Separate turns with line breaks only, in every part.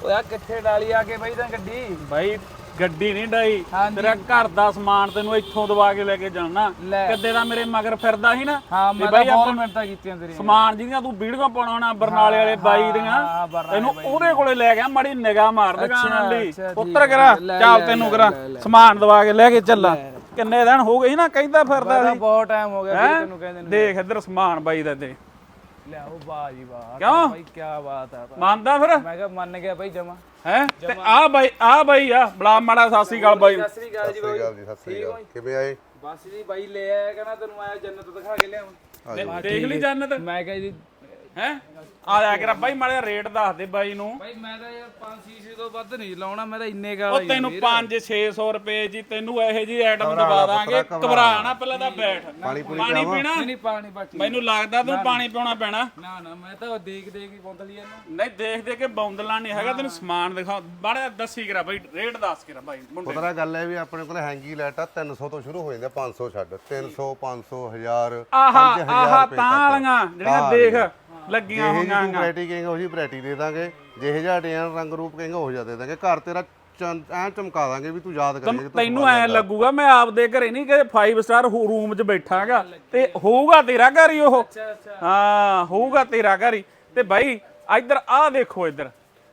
ਓਏ ਆ ਕਿੱਥੇ ਡਾਲੀ ਆ ਕੇ ਬਾਈ ਤਾਂ ਗੱਡੀ
ਬਾਈ ਗੱਡੀ ਨਹੀਂ ਡਾਈ ਤੇਰਾ ਘਰ ਦਾ ਸਮਾਨ ਤੈਨੂੰ ਇੱਥੋਂ ਦਵਾ ਕੇ ਲੈ ਕੇ ਜਾਣਾ ਕਿੱਦੇ ਦਾ ਮੇਰੇ ਮਗਰ ਫਿਰਦਾ ਸੀ ਨਾ
ਹਾਂ ਮੈਂ ਤਾਂ ਬਹੁਤ ਮਿਹਨਤਾਂ ਕੀਤੀਆਂ ਤੇਰੀਆਂ
ਸਮਾਨ ਜਿਹਦੀਆਂ ਤੂੰ ਵੀਡੀਓ ਪਾਉਣਾ ਬਰਨਾਲੇ ਵਾਲੇ ਬਾਈ ਦੀਆਂ ਤੈਨੂੰ ਉਹਦੇ ਕੋਲੇ ਲੈ ਗਿਆ ਮਾੜੀ ਨਿਗਾਹ ਮਾਰ ਦੁਕਾਨ ਲਈ ਉੱਤਰ ਕਰਾ ਚੱਲ ਤੈਨੂੰ ਕਰਾ ਸਮਾਨ ਦਵਾ ਕੇ ਲੈ ਕੇ ਚੱਲਾ ਕਿੰਨੇ ਦਿਨ ਹੋ ਗਏ ਸੀ ਨਾ ਕਹਿੰਦਾ ਫਿਰਦਾ ਸੀ
ਬਹੁਤ ਟਾਈਮ ਹੋ ਗਿਆ ਤੈਨੂੰ ਕਹਿੰਦੇ ਨੇ
ਦੇਖ ਇੱਧਰ ਸਮਾਨ ਬਾਈ ਦਾ ਤੇ
ਲਿਆਓ ਵਾਹ ਜੀ ਵਾਹ
ਕਿਉਂ
ਬਾਈ ਕੀ ਬਾਤ ਆ
ਮੰਨਦਾ ਫਿਰ
ਮੈਂ ਕਿਹਾ ਮੰਨ ਗਿਆ ਬਾਈ ਜਮਾ
ਹੈ ਤੇ ਆ ਬਾਈ ਆ ਬਲਾ ਮਾੜਾ ਸਤਿ ਸ੍ਰੀ ਅਕਾਲ ਬਾਈ
ਸਤਿ ਸ੍ਰੀ ਅਕਾਲ ਜੀ ਬਾਈ
ਸਤਿ ਸ੍ਰੀ ਅਕਾਲ ਕਿਵੇਂ ਆਏ
ਬਸ ਜੀ ਬਾਈ ਲੈ ਆਇਆ ਕਹਿੰਦਾ ਤੈਨੂੰ ਆਇਆ ਜੰਨਤ ਦਿਖਾ ਕੇ ਲਿਆਵਾਂ
ਦੇਖ ਲਈ ਜੰਨਤ
ਮੈਂ ਕਿਹਾ ਜੀ
ਹੈ ਆ ਜਾ ਕੇ ਬਾਈ ਮਾੜਾ ਰੇਟ ਦੱਸ ਦੇ ਬਾਈ ਨੂੰ
ਬਾਈ ਮੈਂ ਤਾਂ ਯਾਰ 500 ਤੋਂ ਵੱਧ ਨਹੀਂ ਲਾਉਣਾ ਮੈਂ ਤਾਂ ਇੰਨੇ ਗਾਲ
ਉਹ ਤੈਨੂੰ 5-600 ਰੁਪਏ ਜੀ ਤੈਨੂੰ ਇਹੋ ਜੀ ਆਈਟਮ ਦਵਾ ਦਾਂਗੇ ਘਬਰਾ ਨਾ ਪਹਿਲਾਂ ਤਾਂ ਬੈਠ ਪਾਣੀ ਪੀਣਾ
ਨਹੀਂ ਪਾਣੀ ਬਾਕੀ
ਮੈਨੂੰ ਲੱਗਦਾ ਤੂੰ ਪਾਣੀ ਪਿਉਣਾ ਪੈਣਾ
ਨਾ ਮੈਂ ਤਾਂ ਦੇਖ ਹੀ ਬੌਂਦਲੀ ਇਹਨੂੰ
ਨਹੀਂ ਦੇਖ ਕੇ ਬੌਂਦਲਾ ਨਹੀਂ ਹੈਗਾ ਤੈਨੂੰ ਸਮਾਨ ਦਿਖਾ ਬੜਾ ਦੱਸੀ ਕਰਾ ਬਾਈ ਰੇਟ ਦੱਸ ਕਰਾ ਬਾਈ ਮੁੰਡੇ
ਪਤਾ ਗੱਲ ਹੈ ਵੀ ਆਪਣੇ ਕੋਲ ਹੈਂਗੀ ਲਾਈਟ ਆ 300 ਤੋਂ ਸ਼ੁਰੂ ਹੋ ਜਾਂਦੇ 500 ਛੱਡ 300 500 1000
ਆਹਾ ਤਾਂ ਵਾਲੀਆਂ ਜਿਹੜੀਆਂ ਦੇਖ ਲੱਗੀਆਂ ਹੋਈਆਂ
ਜਿਹੀ ਵੈਰਾਈਟੀ ਕਹੇਗਾ ਉਹੀ ਵੈਰਾਈਟੀ ਦੇ ਦਾਂਗੇ ਜਿਹੇ ਜਿਹਾ ਡਿਜ਼ਾਈਨ ਰੰਗ ਰੂਪ ਕਹੇਗਾ ਉਹ ਜਿਹਾ ਦੇ ਦਾਂਗੇ ਘਰ ਤੇਰਾ ਐ ਚਮਕਾ ਦਾਂਗੇ ਵੀ ਤੂੰ ਯਾਦ ਕਰੇਂਗੇ
ਤੈਨੂੰ ਐ ਲੱਗੂਗਾ ਮੈਂ ਆਪਦੇ ਘਰੇ ਨਹੀਂ ਕਿ 5 ਸਟਾਰ ਰੂਮ 'ਚ ਬੈਠਾਂਗਾ ਤੇ ਹੋਊਗਾ ਤੇਰਾ ਘਰ ਹੀ ਉਹ ਹਾਂ ਹੋਊਗਾ ਤੇਰਾ ਘਰ ਹੀ ਤੇ ਬਾਈ ਇੱਧਰ ਆਹ ਦੇਖੋ ਇੱਧਰ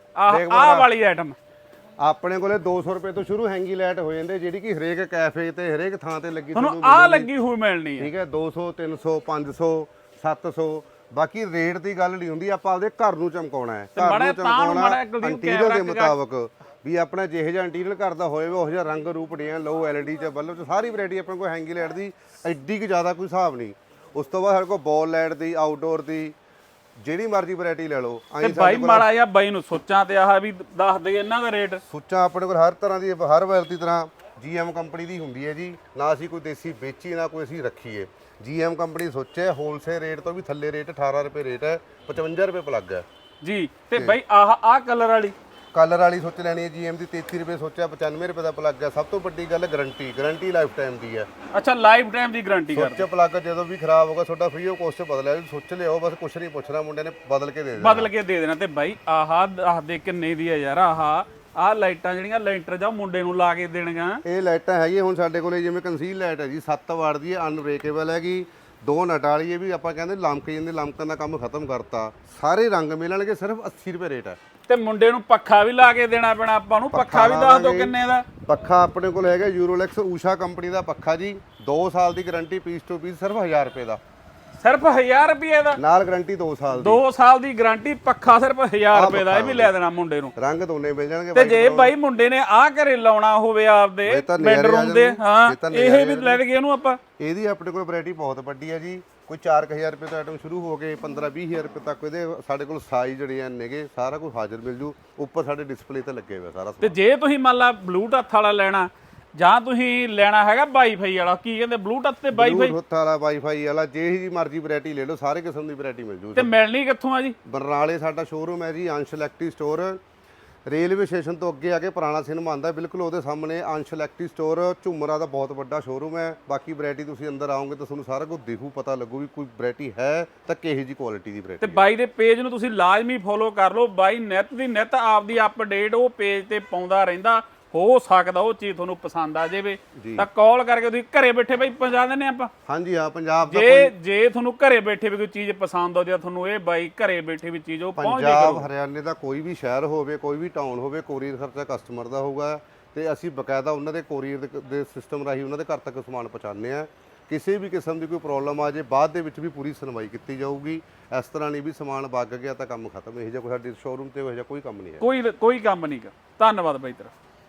ਆਹ ਵਾਲੀ ਆਈਟਮ
ਆਪਣੇ ਕੋਲੇ 200 ਰੁਪਏ ਤੋਂ ਸ਼ੁਰੂ ਹੈਂਗੀ ਲਾਈਟ ਹੋ ਜਾਂਦੇ ਜਿਹੜੀ ਕਿ ਹਰੇਕ ਕੈਫੇ ਤੇ ਹਰੇਕ ਥਾਂ ਤੇ ਲੱਗੀ
ਤੁਹਾਨੂੰ ਆਹ ਲੱਗੀ ਹੋਈ ਮਿਲਣੀ ਹੈ
ਠੀਕ ਹੈ 200 300 500 700 ਬਾਕੀ ਰੇਟ ਦੀ ਗੱਲ ਨਹੀਂ ਹੁੰਦੀ ਆਪਾਂ ਆਪਦੇ ਘਰ ਨੂੰ ਚਮਕਾਉਣਾ ਹੈ ਘਰ ਨੂੰ ਚਮਕਾਉਣਾ ਇੰਟੀਰੀਅਰ ਦੇ ਮੁਤਾਬਕ ਵੀ ਆਪਣਾ ਜਿਹੇ ਜਿਹਾ ਇੰਟੀਰੀਅਰ ਘਰ ਦਾ ਹੋਵੇ ਉਹ ਜਿਹਾ ਰੰਗ ਰੂਪ ਡਿਜ਼ਾਈਨ ਲਓ ਐਲਈਡੀ ਚ ਬੱਲਬ ਚ ਸਾਰੀ ਵੈਰਾਈਟੀ ਆਪਣੇ ਕੋਲ ਹੈਂਗੀ ਲਾਈਟ ਦੀ ਐਡੀ ਕਿ ਜ਼ਿਆਦਾ ਕੋਈ ਹਿਸਾਬ ਨਹੀਂ ਉਸ ਤੋਂ ਬਾਅਦ ਸਾਡੇ ਕੋਲ ਬਾਲ ਲਾਈਟ ਦੀ ਆਊਟਡੋਰ ਦੀ ਜਿਹੜੀ ਮਰਜ਼ੀ ਵੈਰਾਈਟੀ ਲੈ ਲਓ
ਤੇ ਬਾਈ ਮਾੜਾ ਜਿਹਾ ਬਾਈ ਨੂੰ ਸੋਚਾਂ ਤੇ ਆਹ ਵੀ ਦੱਸ ਦੇ ਇਹਨਾਂ ਦਾ ਰੇਟ
ਸੁੱਚਾਂ ਆਪਣੇ ਕੋਲ ਹਰ ਤਰ੍ਹਾਂ ਦੀ ਹਰ ਵੈਰਾਈਟੀ ਤਰ੍ਹਾਂ ਜੀਐਮ ਕੰਪਨੀ ਦੀ ਹੁੰਦੀ ਹੈ ਜੀ ਨਾ ਅਸੀਂ ਕੋਈ ਦੇਸੀ ਵੇਚੀ ਨਾ ਕੋਈ ਅਸੀਂ ਰੱਖੀਏ ਜੀਐਮ ਕੰਪਨੀ ਸੋਚਿਆ ਹੋਲਸੇਲ ਰੇਟ ਤੋਂ ਵੀ ਥੱਲੇ ਰੇਟ 18 ਰੁਪਏ ਰੇਟ ਹੈ 55 ਰੁਪਏ ਪਲੱਗ ਹੈ
ਜੀ ਤੇ ਬਾਈ ਆਹ ਕਲਰ ਵਾਲੀ
ਸੋਚ ਲੈਣੀ ਹੈ ਜੀਐਮ ਦੀ 33 ਰੁਪਏ ਸੋਚਿਆ 95 ਰੁਪਏ ਦਾ ਪਲੱਗ ਹੈ ਸਭ ਤੋਂ ਵੱਡੀ ਗੱਲ ਗਾਰੰਟੀ ਲਾਈਫ ਟਾਈਮ ਦੀ ਹੈ
ਅੱਛਾ ਲਾਈਫ ਟਾਈਮ ਦੀ ਗਾਰੰਟੀ ਕਰ
ਸੋਚ ਪਲੱਗ ਜਦੋਂ ਵੀ ਖਰਾਬ ਹੋਗਾ ਤੁਹਾਡਾ ਫ੍ਰੀ ਆਫ ਕੋਸਟ ਬਦਲਿਆ ਸੋਚ ਲਿਓ ਬਸ ਕੁਛ ਨਹੀਂ ਪੁੱਛਣਾ ਮੁੰਡੇ ਨੇ ਬਦਲ ਕੇ ਦੇ ਦੇਣਾ
ਤੇ ਬਾਈ ਆਹ ਦੱਸ ਦੇ ਕਿੰਨੇ ਦੀ ਹੈ ਯਾਰ ਆਹ ਲਾਈਟਾਂ ਜਿਹੜੀਆਂ ਲੈਂਟਰ ਜਾਂ ਮੁੰਡੇ ਨੂੰ ਲਾ ਕੇ ਦੇਣੀਆਂ
ਇਹ ਲਾਈਟਾਂ ਹੈਗੀਆਂ ਹੁਣ ਸਾਡੇ ਕੋਲੇ ਜਿਵੇਂ ਕੰਸੀਲ ਲਾਈਟ ਹੈ ਜੀ 7 ਵਾਟ ਦੀ ਹੈ ਅਨਬ੍ਰੇਕੇਬਲ ਹੈਗੀ 2 ਨਟ ਵਾਲੀ ਹੈ ਵੀ ਆਪਾਂ ਕਹਿੰਦੇ ਲਮਕ ਜਾਂਦੇ ਲਮਕਣ ਦਾ ਕੰਮ ਖਤਮ ਕਰਤਾ ਸਾਰੇ ਰੰਗ ਮਿਲਣਗੇ ਸਿਰਫ 80 ਰੁਪਏ ਰੇਟ ਹੈ
ਤੇ ਮੁੰਡੇ ਨੂੰ ਪੱਖਾ ਵੀ ਲਾ ਕੇ ਦੇਣਾ ਪੈਣਾ ਆਪਾਂ ਨੂੰ ਪੱਖਾ ਵੀ ਦੱਸ ਦਿਓ ਕਿੰਨੇ ਦਾ
ਪੱਖਾ ਆਪਣੇ ਕੋਲ ਹੈਗਾ ਯੂਰੋਲੈਕਸ ਊਸ਼ਾ ਕੰਪਨੀ ਦਾ ਪੱਖਾ ਜੀ 2 ਸਾਲ ਦੀ ਗਾਰੰਟੀ ਪੀਸ ਟੂ ਪੀਸ ਸਿਰਫ 1000 ਰੁਪਏ ਦਾ
ਸਿਰਫ 1000 ਰੁਪਏ ਦਾ
ਨਾਲ ਗਾਰੰਟੀ 2 ਸਾਲ ਦੀ
2 ਸਾਲ ਦੀ ਗਾਰੰਟੀ ਪੱਖਾ ਸਿਰਫ 1000 ਰੁਪਏ ਦਾ ਇਹ ਵੀ ਲੈ ਦੇਣਾ ਮੁੰਡੇ ਨੂੰ
ਰੰਗ ਦੋਨੇ ਮਿਲ ਜਾਣਗੇ
ਤੇ ਜੇ ਬਾਈ ਮੁੰਡੇ ਨੇ ਆਹ ਘਰੇ ਲਾਉਣਾ ਹੋਵੇ ਆਪਦੇ ਬੈਡਰੂਮ ਦੇ ਹਾਂ ਇਹ ਵੀ ਲੈ ਕੇ ਉਹਨੂੰ ਆਪਾਂ
ਇਹਦੀ ਆਪਣੇ ਕੋਲ ਵੈਰਾਈਟੀ ਬਹੁਤ ਵੱਡੀ ਹੈ ਜੀ ਕੋਈ 4000 ਰੁਪਏ ਤੋਂ ਆਈਟਮ ਸ਼ੁਰੂ ਹੋ ਕੇ 15-20000 ਰੁਪਏ ਤੱਕ ਇਹਦੇ ਸਾਡੇ ਕੋਲ ਸਾਈਜ਼ ਜਿਹੜੇ ਨੇਗੇ ਸਾਰਾ ਕੁਝ ਹਾਜ਼ਰ ਮਿਲ ਜੂ ਉੱਪਰ ਸਾਡੇ ਡਿਸਪਲੇ ਤੇ ਲੱਗੇ ਹੋਇਆ ਸਾਰਾ
ਤੇ ਜੇ ਤੁਸੀਂ ਮੰਨ ਲਾ ਬਲੂਟੁੱਥ ਵਾਲਾ ਲੈਣਾ ਜਾਂ ਤੁਸੀਂ ਲੈਣਾ ਹੈਗਾ ਵਾਈਫਾਈ ਵਾਲਾ ਕੀ ਕਹਿੰਦੇ ਬਲੂਟੁੱਥ ਤੇ ਵਾਈਫਾਈ
ਬਲੂਟੁੱਥ ਵਾਲਾ ਵਾਈਫਾਈ ਵਾਲਾ ਜਿਹੀ ਮਰਜ਼ੀ ਵੈਰਾਈਟੀ ਲੈ ਲਓ ਸਾਰੇ ਕਿਸਮ ਦੀ ਵੈਰਾਈਟੀ ਮਿਲ ਜੂ
ਤੇ ਮਿਲਣੀ ਕਿੱਥੋਂ ਆ ਜੀ
ਬਰਨਾਲੇ ਸਾਡਾ ਸ਼ੋਰੂਮ ਹੈ ਜੀ ਅੰਸ਼ ਇਲੈਕਟ੍ਰਿਕ ਸਟੋਰ ਰੇਲਵੇ ਸਟੇਸ਼ਨ ਤੋਂ ਅੱਗੇ ਆ ਕੇ ਪੁਰਾਣਾ ਸਿਨੇਮਾ ਆਉਂਦਾ ਬਿਲਕੁਲ ਉਹਦੇ ਸਾਹਮਣੇ ਅੰਸ਼ ਇਲੈਕਟ੍ਰਿਕ ਸਟੋਰ ਝੁੰਮਰਾ ਦਾ ਬਹੁਤ ਵੱਡਾ ਸ਼ੋਰੂਮ ਹੈ ਬਾਕੀ ਵੈਰਾਈਟੀ ਤੁਸੀਂ ਅੰਦਰ ਆਓਗੇ ਤਾਂ ਤੁਹਾਨੂੰ ਸਾਰਾ ਕੁਝ ਦਿਖੂ ਪਤਾ ਲੱਗੂ ਵੀ ਕੋਈ ਵੈਰਾਈਟੀ ਹੈ ਤਾਂ ਕਿਹੋ ਜੀ ਕੁਆਲਿਟੀ ਦੀ ਵੈਰਾਈਟੀ
ਤੇ ਬਾਈ ਦੇ ਪੇਜ ਨੂੰ ਤੁਸੀਂ ਲਾਜ਼ਮੀ ਫੋਲੋ ਕਰ ਲਓ ਬਾਈ ਨਿਤ ਦੀ ਨਿਤ ਆਪਦੀ ਅਪਡੇਟ ਉਹ ਪੇਜ ਤੇ ਪਾਉਂਦਾ ਰਹਿੰਦਾ ਹੋ ਸਕਦਾ ਉਹ ਚੀਜ਼ ਤੁਹਾਨੂੰ ਪਸੰਦ ਆ ਜਾਵੇ ਤਾਂ ਕਾਲ ਕਰਕੇ ਤੁਸੀਂ ਘਰੇ ਬੈਠੇ ਬਾਈ ਪਹੁੰਚਾ ਦਿੰਦੇ ਆਪਾਂ
ਹਾਂਜੀ ਹਾਂ ਪੰਜਾਬ
ਦਾ ਜੇ ਤੁਹਾਨੂੰ ਘਰੇ ਬੈਠੇ ਵੀ ਕੋਈ ਚੀਜ਼ ਪਸੰਦ ਆਉਂਦੀ ਆ ਤੁਹਾਨੂੰ ਇਹ ਬਾਈ ਘਰੇ ਬੈਠੇ ਵੀ ਚੀਜ਼ ਉਹ ਪਹੁੰਚ ਜਾਏ
ਪੰਜਾਬ ਹਰਿਆਣੇ ਦਾ ਕੋਈ ਵੀ ਸ਼ਹਿਰ ਹੋਵੇ ਕੋਈ ਵੀ ਟਾਊਨ ਹੋਵੇ ਕੋਰੀਅਰ ਖਰਚਾ ਕਸਟਮਰ ਦਾ ਹੋਊਗਾ ਤੇ ਅਸੀਂ ਬਕਾਇਦਾ ਉਹਨਾਂ ਦੇ ਕੋਰੀਅਰ ਦੇ ਸਿਸਟਮ ਰਾਹੀਂ ਉਹਨਾਂ ਦੇ ਘਰ ਤੱਕ ਸਮਾਨ ਪਹੁੰਚਾਉਂਦੇ ਆ ਕਿਸੇ ਵੀ ਕਿਸਮ ਦੀ ਕੋਈ ਪ੍ਰੋਬਲਮ ਆ ਜੇ ਬਾਅਦ ਦੇ ਵਿੱਚ ਵੀ ਪੂਰੀ ਸੁਣਵਾਈ ਕੀਤੀ ਜਾਊਗੀ ਇਸ ਤਰ੍ਹਾਂ ਨਹੀਂ ਵੀ ਸਮਾਨ ਵਗ ਗਿਆ ਤਾਂ ਕੰਮ ਖਤਮ ਇਹ ਜਿਹਾ ਕੋਈ ਸਾਡੇ ਸ਼ੋਰੂਮ ਤੇ ਇਹੋ ਜਿਹਾ ਕੋਈ ਕੰਮ ਨਹੀਂ ਹੈ
ਕੋਈ ਕੰਮ ਨਹੀਂ ਗਾ ਧੰਨਵਾਦ ਬਾਈ ਤੇਰਾ